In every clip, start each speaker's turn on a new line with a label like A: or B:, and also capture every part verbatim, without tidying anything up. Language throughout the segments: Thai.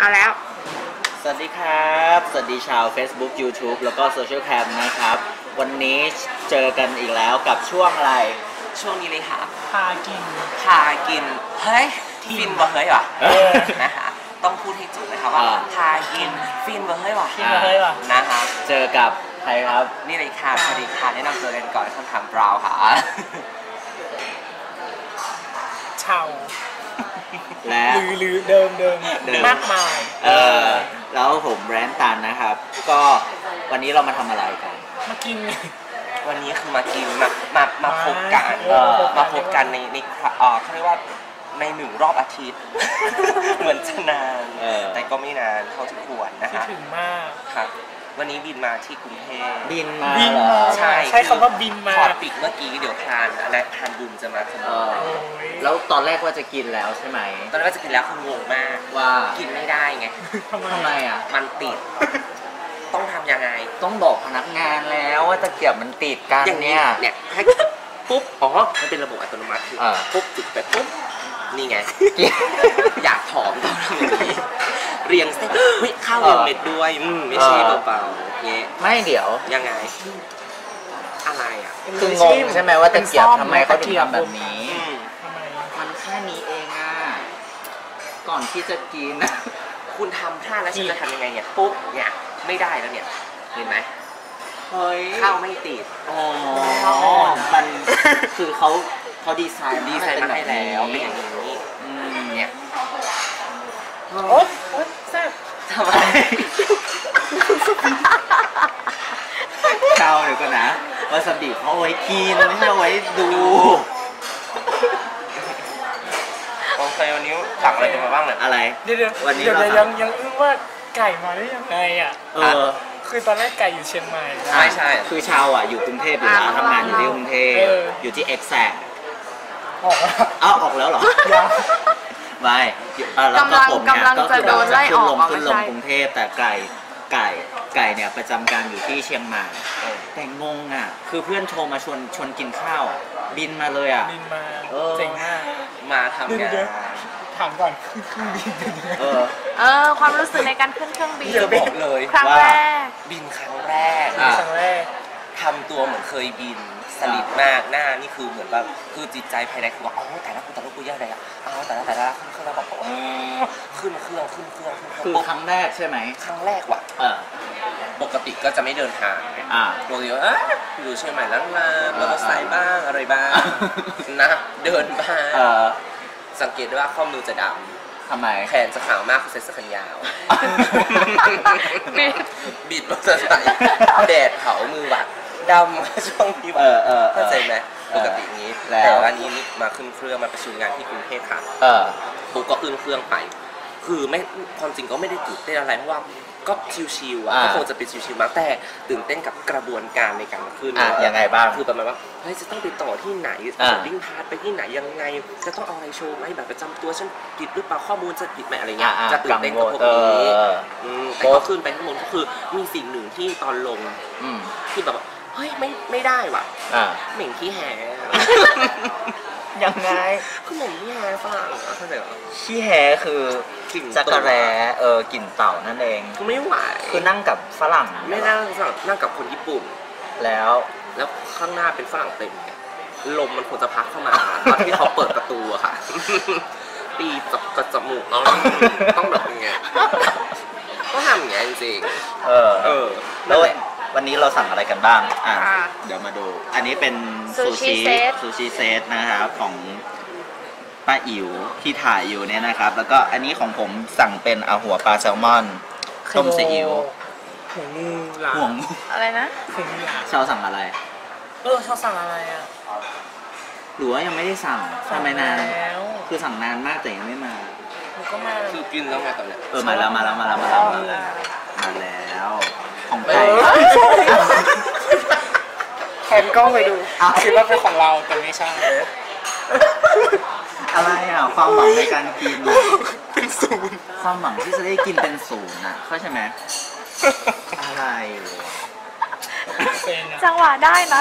A: เอาแล้ว
B: สวัสดีครับสวัสดีชาว Facebook YouTube แล้วก็ Social Cam นะครับวันนี้เจอกันอีกแล้วกับช่วงอะไร
C: ช่วงนี้เลยค่ะ
A: พากิน
C: พากินเฮ้ยฟินบ่เฮ้ยว่ะนะคะต้องพูดให้จุดเลยครับว่าพากินฟินบ่เฮ้ยว่ะ
A: ฟินบ่เฮ้ยว่ะ
C: นะคะ
B: เจอกับใครครับ
C: นี่เลยค่ะสวัสดีค่ะแนะนำตัวกันก่อนคำถามบราวค่ะ
A: ชาว
B: และ
A: หรือหรือเดิมเดิมมากมาย
B: เออแล้วผมแบรนด์ตันนะครับก็วันนี้เรามาทำอะไรกัน
A: มากิน
C: วันนี้คือมากินมามามาพบกันมาพบกันในในเอ่อเขาเรียกว่าในหนึ่งรอบอาทิตย์เหมือนจะนานแต่ก็ไม่นานเท่าที่ควรนะคะ
A: ถึงมาก
C: ครับวันนี้บินมาที่กรุงเทพ
B: บินมา
A: บินมา
C: ใช่
A: ใช้คำว่าบินมา
C: พอปิดเมื่อกี้เดี๋ยวทานและทานบุญจะมาขโมย
B: แล้วตอนแรกว่าจะกินแล้วใช่ไหม
C: ตอนแรกว่าจะกินแล้วคืองงมาก
B: ว่า
C: กินไม่ได้ไง
B: ทำไมอ่ะ
C: มันติดต้องทำยังไง
B: ต้องบอกพนักงานแล้วว่าตะเกียบมันติดกันเนี่ย
C: เนี่ยให้ปุ๊บอ๋อมันเป็นระบบอัตโนมัติคือปุ๊บติดไปปุ๊บนี่ไงอยากผอมต้องทำอย่างนี้เรียงเส้นวิข้าวเรียงเม็ดด้วยไม่ใช่เบาๆเงี้ย
B: ไม่เดี๋ยว
C: ยังไงอะไรอ่ะ
B: คืองงใช่ไหมว่าตะเกียบทำไมเขาถึงทำแบบนี้มันแค่นี้เองอ่ะก่อนที่จะกิน
C: คุณทำท่าแล้วฉันจะทำยังไงเนี่ยปุ๊บเนี่ยไม่ได้แล้วเนี่ยเห็นไหม
B: เฮ้ย
C: ข้าวไม่ติด
B: อ๋อมันคือเขาเขาดีไซน์
C: ดีไซน์มาให้แล้วเป็นอย่างนี้เนี่ย
A: โอ๊ยแซ่บ
C: ทำไม
B: ข้าวเดี๋ยวก่อนนะวาซาบิเขาเอาไว้กินไม่ใช่เอาไว้ดู
C: โอเควันนี้สั่งอะไรกันมาบ้างเนี่ย
B: อะไร
A: เดี๋ยววันนี้เรายังยังอึ้งว่าไก่มาได้ยังไงอ่ะ
B: เออ
A: คือตอนแรกไก่อยู่เชียงใหม่
C: ไม่ใช่
B: คือชาวอ่ะอยู่กรุงเทพอยู่แล้วทำงานอยู่ที่กรุงเทพอยู่ที่เอ็กแซก
A: ออก
B: อ้าวออกแล้วเหรอไม่แล้วก็ผมเนี่ยก็คือแบบจะขึ้นลงขึ้นลงกรุงเทพแต่ไก่ไก่ไก่เนี่ยประจำการอยู่ที่เชียงใหม่แต่งงอ่ะคือเพื่อนโทรมาชวนชวนกินข้าวบินมาเลยอ่ะ
A: บินมาเจ๋งมาก
C: มาทำงาน
A: ถามก่อนเครื่องบิน
B: เออ
D: เออความรู้สึกในการขึ้นเครื่องบิน
C: จะบอกเลย
D: ครั้งแรก
C: บินครั้งแรก
A: ครั้งแรก
C: ทำตัวเหมือนเคยบินสลิดมากหน้านี่คือเหมือนแบบคือจิตใจภายในคือว่าอ๋อแต่ละกูแต่ละกูแย่เลยอ่ะอ๋อแต่ละแต่ละขึ้นเครื่องแล้วแบบขึ้นเครื่องขึ้นเครื่องขึ้นเครื่อง
B: คือครั้งแรกใช่ไหม
C: ครั้งแรกว่ะ
B: เออ
C: ปกติก็จะไม่เดินทางอ่าปกติว่าอยู่เชียงใหม่ล้างลาแล้วก็ไซด์บ้างอะไรบ้างนะเดินบ้างสังเกตได้ว่าข้อมือจะดำ
B: ทำไม
C: แขนจะขาวมากคือใส่เสื้อแขนยาวบิดมอเตอร์ไซค์แดดเผามือวัดดำช่วงนี้
B: เออเออ
C: เข้าใจไหมปกตินี้แต่วันนี้มาขึ้นเครื่องมาประชุมงานที่กรุงเทพค่ะ
B: เออ
C: ปุ๊บก็ขึ้นเครื่องไปคือไม่ความจริงก็ไม่ได้ตื่นเต้นอะไรเพราะว่าก็ชิวๆอ่ะก็คงจะเป็นชิวๆมากแต่ตื่นเต้นกับกระบวนการในการขึ้น
B: อ่ะยังไงบ้าง
C: คือประมาณว่าเฮ้ยจะต้องไปต่อที่ไหนดิ้งพาร์ทไปที่ไหนยังไงจะต้องเอาอะไรโชว์ไหมแบบประจำตัวฉันผิดหรือเปล่าข้อมูลจะผิดไหมอะไรเงี้ยจะตื่นเต้นกับพวกนี้แต่ก็ขึ้นไปข้างบนก็คือมีสิ่งหนึ่งที่ตอนลงที่แบบเฮ้ยไม่ไม่ได้ว่ะเหม่งขี้แห่
B: ยังไง
C: คือเหม่งขี้แห่ฝรั่งเข้าใจหรอ
B: ขี้แห่คือจักรแร้เออกลิ่นเต่านั่นเอง
C: คือไม่ไหว
B: คือนั่งกับฝรั่ง
C: ไม่นั่งฝรั่งนั่งกับคนญี่ปุ่น
B: แล้ว
C: แล้วข้างหน้าเป็นฝรั่งเต็มลมมันควรจะพัดเข้ามาตอนที่เขาเปิดประตูอะค่ะตีจับกระจมูกต้องต้องแบบอย่างเงี้ยก็ทำอย่างเงี้ยจริง
B: เออเออแล้ววันนี้เราสั่งอะไรกันบ้างอ่ะเดี๋ยวมาดูอันนี้เป็นซูชิซูชิเซตนะครับของป้าอิ๋วที่ถ่ายอยู่เนี่ยนะครับแล้วก็อันนี้ของผมสั่งเป็นอาหัวปลาแซลมอนต้มซีอิ๊ว
A: หัวงูหลา
B: หัวงู
D: อะไรนะ
A: หัวงูหลา
B: ชาวสั่งอะไร
A: เออชาวสั่งอะไรอ่ะ
B: หรือว่ายังไม่ได้สั่งทำไมนานคือสั่งนานมากแต่ยังไม่มา
A: ก็มา
C: คือกินแล้วไงตอนเนี้ย
B: เออมาแล้วมาแล้วมาแล้วมาแล้วมาแล้วของไก่
A: แทนกล้องไปดูคิดว่าเป็นของเราแต่ไม่ใช่
B: อะไรอ่ะความหวังในการกินเป็นศูนย์ความหวังที่จะได้กินเป็นศูนย์อ่ะเข้าใช่ไหมอะไร
D: จังหวะได้นะ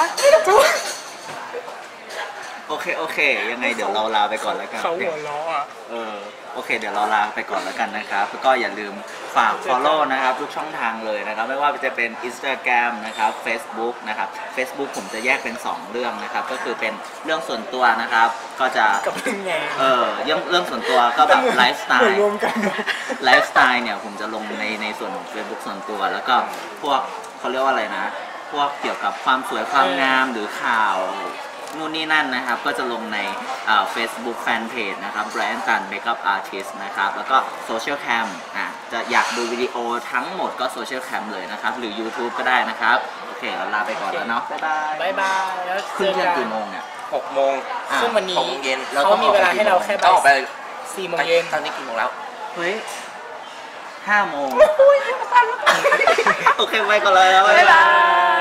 B: โอเคโอเคยังไงเดี๋ยวเราลาไปก่อนแล้วกัน
A: เขาหัวล้ออ่ะ
B: เออโอเคเดี๋ยวเราลาไปก่อนแล้วกันนะครับแล้วก็อย่าลืมฝาก follow นะครับทุกช่องทางเลยนะครับไม่ว่าจะเป็น Instagram นะครับ Facebook นะครับ Facebook ผมจะแยกเป็นสองเรื่องนะครับก็คือเป็นเรื่องส่วนตัวนะครับก็จะ
A: กับเรื่องงาน
B: เออเรื่องเรื่องส่วนตัวก็แบบไลฟ์สไต
A: เหมือน
B: ล์
A: รวมกัน
B: ไลฟ์สไตล์เนี่ยผมจะลงในในส่วนของ Facebook ส่วนตัวแล้วก็พวกเขาเรียกว่าอะไรนะพวกเกี่ยวกับความสวยความงามหรือข่าวนู่นนี่นั่นนะครับก็จะลงในอ่า Facebook Fanpage นะครับ Brian Tan Makeup Artist นะครับแล้วก็ Social Cam อ่ะจะอยากดูวิดีโอทั้งหมดก็ Social Cam เลยนะครับหรือ YouTube ก็ได้นะครับโอเคเราลาไปก่อนแล้วเนาะบ๊ายบาย
A: บายบายแล้ว
B: ขึ้น
A: เจ
B: เที่
A: อย
B: ง
A: กัน
B: กี่โมงเนี่ย
C: หกโมง
B: อ่ะ
A: ซึ่งวันนี้
C: หกโมงเย็น
A: เขามีเวลาให้เราแค่
C: ต้องออกไป
A: สี่โมงเย็น
C: ตอนนี้กี่โมงแล้ว
B: เฮ้ยห้าโมงโอเคไปก่อนเลย
D: บ๊ายบาย